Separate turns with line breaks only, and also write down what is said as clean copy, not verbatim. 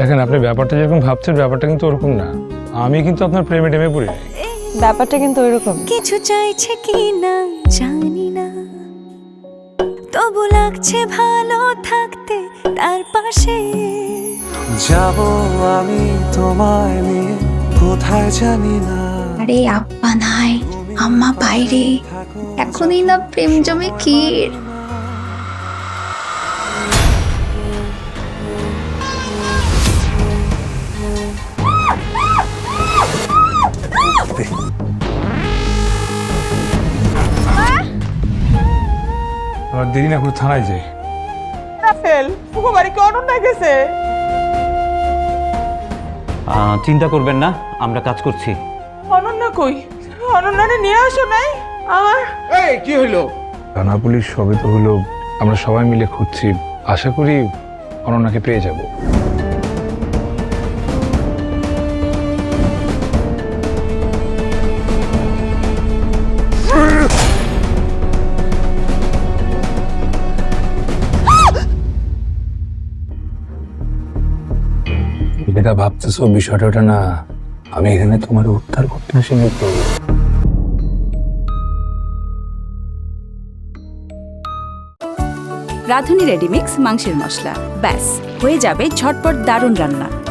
দেখেন আপনি ব্যাপারটা যেরকম ভাবছেন ব্যাপারটা কিন্তু ওরকম না। আমি কিন্তু আপনার প্রেমে টেমে পড়ি নাই।
ব্যাপারটা কিন্তু ওইরকম।
কিছু চাইছে কি না জানি না, তবু লাগছে ভালো থাকতে তার পাশে।
যাব আমি তোমায় নিয়ে কোথায় জানি না।
আরে আব্বা নাই, আম্মা বাইরে, এখনই না প্রেম জমে ক্ষীর।
আবার দেরি না করে থানায় যাই।
রাফেল ফুকো বাড়ি কি অনন্যা গেছে?
চিন্তা করবেন না, আমরা কাজ করছি।
অনন্যা কই? অনন্যারে নিয়ে আসো নাই? আমার
কি হইলো?
থানা পুলিশ সবে তো হলো, আমরা সবাই মিলে খুঁজছি, আশা করি অনন্যাকে পেয়ে যাব। যেটা ভাবতেছো বিষয়টা ওটা না, আমি এখানে তোমার উদ্ধার করতে আসিনি তো।
রাঁধুনি রেডিমিক্স মাংসের মশলা, ব্যাস হয়ে যাবে ঝটপট দারুণ রান্না।